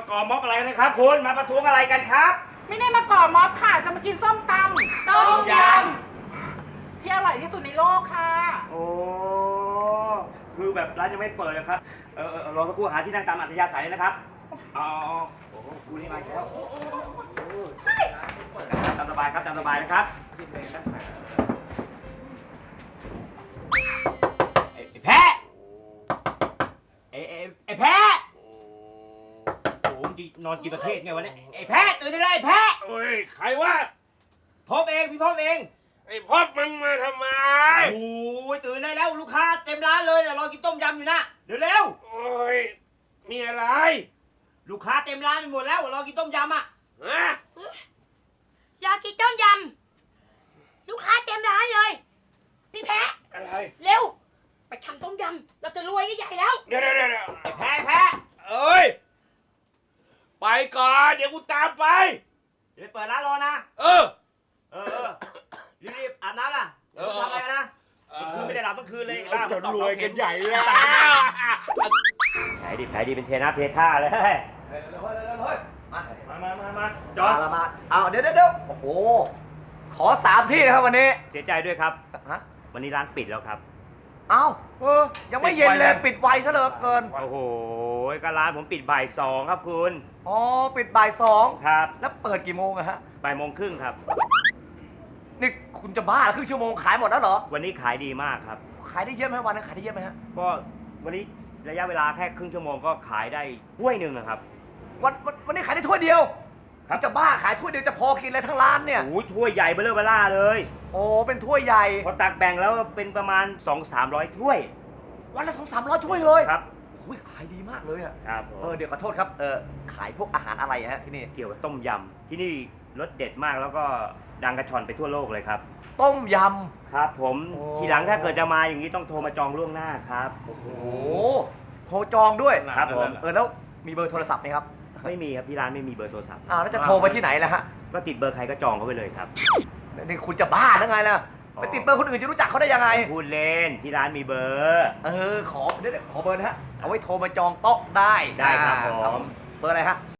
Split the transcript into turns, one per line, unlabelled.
ก่อม็อบอะไรนะครับคุณมาประท้วงอะไรกันครับ
ไม่ได้มาก่อม็อบค่ะจะมากินส้มตำต้มยำที่อร่อยที่สุดในโลกค่ะ
โอ้คือแบบร้านยังไม่เปิดนะครับรอสักครู่หาที่นั่งตามอัธยาศัยนะครับอ๋อโอ้โหคุณนี่มาแล้วตามสบายครับตามสบายนะครับไอ้แพะไอ้แพะโอ้โหนอนกินประเทศไงวะเนี่ยไอ้แพะตื่นได้แล้วไอ้แพะ
เฮ้ยใครวะ
พบเองพี่พบเอง
ไอ้พอดมึงมาทำไม
โอ้ยตื่นได้แล้วลูกค้าเต็มร้านเลยเนี่ยรอกินต้มยำอยู่นะเร็ว
โอ้ยมีอะไร
ๆลูกค้าเต็มร้านไปหมดแล้วรอกินต้มยำอ่ะ
ฮะ
อยากกินต้มยำลูกค้าเต็มร้านเลย พี่แพะ
อะไร
เร็ว ไปทำต้มยำเราจะรวยกันใหญ่แล้ว
เดี๋ยว
ไอ้แพ้
เอ้ยไปก่อนเดี๋ยวกูตามไป
เดี๋ยวไปเปิดร้านรอนะ
เออ
เออรีบๆอาบน้ำล่ะทำอะไรกันนะคืนไม่ได้หลับเมื่อคืนเลย
จะรวยกันใหญ่แล้ว
แผลดีเป็นเทน้ำเทท่าเลยมาจอด
มาเอาเดี๋ยวโอ้โห ขอ3 ที่นะครับวันนี้
เสียใจด้วยครับ
ฮะ
วันนี้ร้านปิดแล้วครับ
เอ้ายังไม่เย็นเลยปิดไวซะเหลือเกิน
โอ้โหก็ร้านผมปิดบ่าย2ครับคุณ
อ๋อ ปิดบ่าย 2
ครับ
แล้วเปิดกี่โมงอะฮะ
บ่ายโมงครึ่งครับ
นี่คุณจะบ้าเหรอครึ่งชั่วโมงขายหมดแล้วเหรอ
วันนี้ขายดีมากครับ
ขายได้เยอะไหมวันนั้นขายได้เยอะไหมฮะ
ก็วันนี้ระยะเวลาแค่ครึ่งชั่วโมงก็ขายได้ถ้วยหนึ่งนะครับ
วันนี้ขายได้ถ้วยเดียว
ครับ
ณจะบ้าขายถ้วยเดียวจะพอกินเลยทั้งร้านเนี่ย
โอ้ยถ้วยใหญ่เบ้อเร่อเลย
โอ้เป็นถ้วยใหญ่
พอตักแบ่งแล้วเป็นประมาณ 200-300 ถ้วย
วันละ200-300ถ้วยเลย
ครับ
โอ้ยขายดีมากเลยอะ
ครับผม
เดี๋ยวขอโทษครับขายพวกอาหารอะไรฮะที่นี่
เกี่ยวกับต้มยำที่นี่รสเด็ดมากแล้วก็ดังกระชอนไปทั่วโลกเลยครับ
ต้มย
ครับผม
โอ้
ทีหลังถ้าเกิดจะมาอย่างนี้ต้องโทรมาจองล่วงหน้าครับ
ำโอ้โหโทรจองด้วย
ครับผม
แล้วมีเบอร์โทรศัพท์ไหมครับ
ไม่มีครับที่ร้านไม่มีเบอร์โทรศัพท์
แล้วจะโทรไปที่ไหนล่ะฮะ
ก็ติดเบอร์ใครก็จองเขาไปเลยครับ
นี่คุณจะบ้าหรือไงล่ะ ไปติดเบอร์คนอื่นจะรู้จักเขาได้ยังไง
พูดเล่นที่ร้านมีเบอร์
ขอเดี๋ยวขอเบอร์นะฮะ เอาไว้โทรมาจองโต๊ะได้
ได้ครับผม
เบอร์อะไรฮะ